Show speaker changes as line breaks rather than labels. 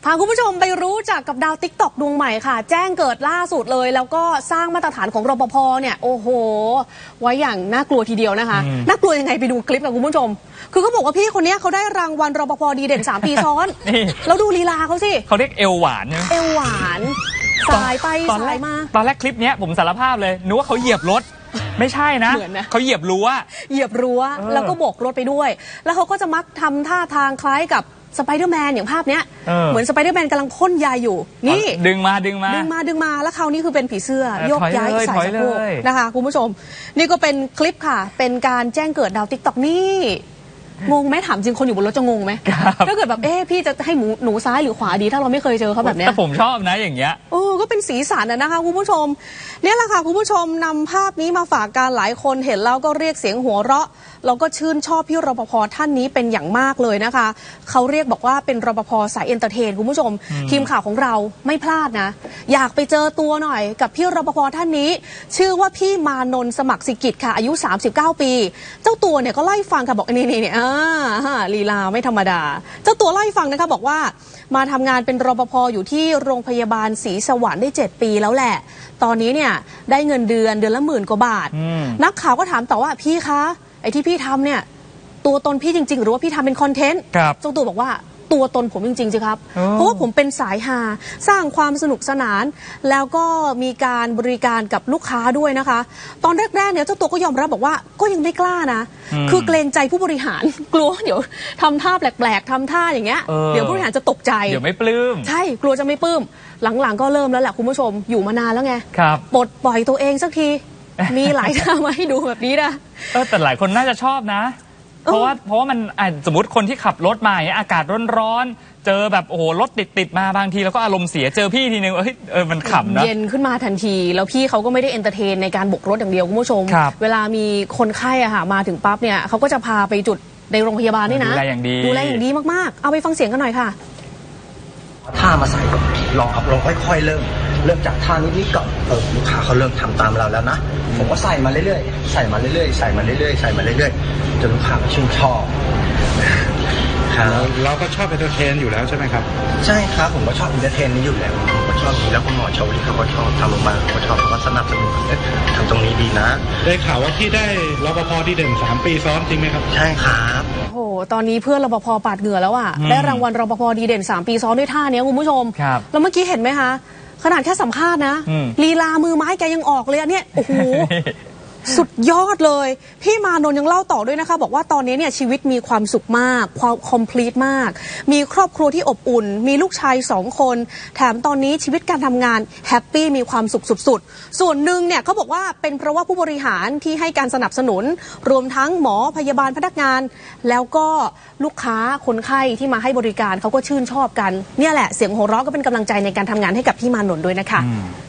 พาคุณผู้ชมไปรู้จักกับดาวติ๊กต็อกดวงใหม่ค่ะแจ้งเกิดล่าสุดเลยแล้วก็สร้างมาตรฐานของรปภเนี่ยโอ้โหไว้อย่างน่ากลัวทีเดียวนะคะน่ากลัวยังไงไปดูคลิปกับคุณผู้ชมคือเขาบอกว่าพี่คนนี้เขาได้รางวัลรปภดีเด่น3 ปีซ้อนแล้วดูลีลาเขาสิ
เขาเรียกเอวหวานนะ
เอวหวานสายไปสายมา
ตอนแรกคลิปนี้ผมสารภาพเลยนึกว่าเขาเหยียบรถไม่ใช่นะเขาเหยียบรั้ว
แล้วก็โบกรถไปด้วยแล้วเขาก็จะมักทำท่าทางคล้ายกับสไปเดอร์แมนอย่างภาพเนี้ยเหมือนสไปเดอร์แมนกำลังพ่นยาอยู่นี่
ดึงมา
แล้วเขานี่คือเป็นผีเสื้อโยกย้ายสายสะโพกนะคะคุณผู้ชมนี่ก็เป็นคลิปค่ะเป็นการแจ้งเกิดดาวติ๊กต็อกนี่งงไหมถามจริงคนอยู่บนรถจะงงไหมถ้าเกิดแบบพี่จะให้หนูซ้ายหรือขวาดีถ้าเราไม่เคยเจอเขาแบบเนี้ย
แต่ผมชอบนะอย่างเงี้ย
ก็เป็นสีสันนะคะคุณผู้ชมเนี่ยแหละค่ะคุณผู้ชมนำภาพนี้มาฝากกันหลายคนเห็นแล้วก็เรียกเสียงหัวเราะแล้วก็ชื่นชอบพี่รปภท่านนี้เป็นอย่างมากเลยนะคะเขาเรียกบอกว่าเป็นรปภสายเอนเตอร์เทนคุณผู้ชมทีมข่าวของเราไม่พลาดนะอยากไปเจอตัวหน่อยกับพี่รปภท่านนี้ชื่อว่าพี่มานนท์สมัครสิกิจค่ะอายุ39 ปีเจ้าตัวเนี่ยก็ไล่ฟังค่ะบอกนี่ลีลาไม่ธรรมดาเจ้าตัวไล่ฟังนะคะบอกว่ามาทำงานเป็นรปภอยู่ที่โรงพยาบาลศรีสวรรค์ได้7 ปีแล้วแหละตอนนี้เนี่ยได้เงินเดือนละ10,000 กว่าบาทนักข่าวก็ถามต่อว่าพี่คะไอ้ที่พี่ทำเนี่ยตัวตนพี่จริงๆหรือว่าพี่ทำเป็นคอนเทนต์เจ้าตัวบอกว่าตัวตนผมจริงๆสิครับเพราะว่าผมเป็นสายฮาสร้างความสนุกสนานแล้วก็มีการบริการกับลูกค้าด้วยนะคะตอนแรกๆเนี่ยเจ้าตัวก็ยอมรับบอกว่าก็ยังไม่กล้านะคือเกรงใจผู้บริหารกลัวเดี๋ยวทำท่าแปลกๆทำท่าอย่างเงี้ยเดี๋ยวผู้บริหารจะตกใจ
เดี๋ยวไม่ปลื้ม
ใช่กลัวจะไม่ปลื้มหลังๆก็เริ่มแล้วแหละคุณผู้ชมอยู่มานานแล้วไงปลดปล่อยตัวเองสักทีมีหลายท่ามาให้ดูแบบนี้นะ
แต่หลายคนน่าจะชอบนะเพราะว่ามันสมมติคนที่ขับรถมาอย่างเงี้ยอากาศร้อนๆเจอแบบโอ้โหรถติดมาบางทีแล้วก็อารมณ์เสียเจอพี่ทีนึงมันขำนะ
เย็นขึ้นมาทันทีแล้วพี่เขาก็ไม่ได้เอนเตอร์เทนในการบกรถอย่างเดียวคุณผู้ชมเวลามีคนไข้มาถึงปั๊บเนี่ยเขาก็จะพาไปจุดในโรงพยาบาลนี่นะ
ดูแลอย่าง
ดีมากๆเอาไปฟังเสียงกันหน่อยค่ะ
ท่ามาใส่ลองครับลองค่อยๆเริ่มจากท่านิดๆก่อนลูกค้าเขาเริ่มทำตามเราแล้วนะผมก็ใส่มาเรื่อยๆใส่มาเรื่อยๆจนลูกค้าชื่นชอบ
เราก็ชอบเอนเตอร์เทนอยู่แล้วใช่ไหมครับ
ใช่ครับผมก็ชอบเอนเตอร์เทนนี้อยู่แล้วผมก็ชอบดีแล้วคุณหมอชาวลิเขาก็ชอบทำโรงพยาบาลเขาก็ชอบเขาก็สนับสนุนทำตรงนี้ดีนะ
ได้ข่าวว่าที่ได้รปภดีเด่น3 ปีซ้อนจริงไหมครับ
ใช่ครับ
โอ้โหตอนนี้เพื่อนรปภปาดเหงื่อแล้วได้รางวัลรปภดีเด่น3 ปีซ้อนด้วยท่านี้คุณผู้ชมแล้วเมื่อกี้เห็นไหมคะขนาดแค่สัมภาษณ์นะลีลามือไม้แกยังออกเลยเนี่ยโอ้โหสุดยอดเลยพี่มานนท์ยังเล่าต่อด้วยนะคะบอกว่าตอนนี้เนี่ยชีวิตมีความสุขมากความคอมพลีทมากมีครอบครัวที่อบอุ่นมีลูกชาย2 คนแถมตอนนี้ชีวิตการทำงานแฮปปี้มีความสุขสุดๆส่วนหนึ่งเนี่ยเขาบอกว่าเป็นเพราะว่าผู้บริหารที่ให้การสนับสนุนรวมทั้งหมอพยาบาลพนักงานแล้วก็ลูกค้าคนไข้ที่มาให้บริการเขาก็ชื่นชอบกันเนี่ยแหละเสียงหัวเราะก็เป็นกำลังใจในการทำงานให้กับพี่มานนท์ด้วยนะคะ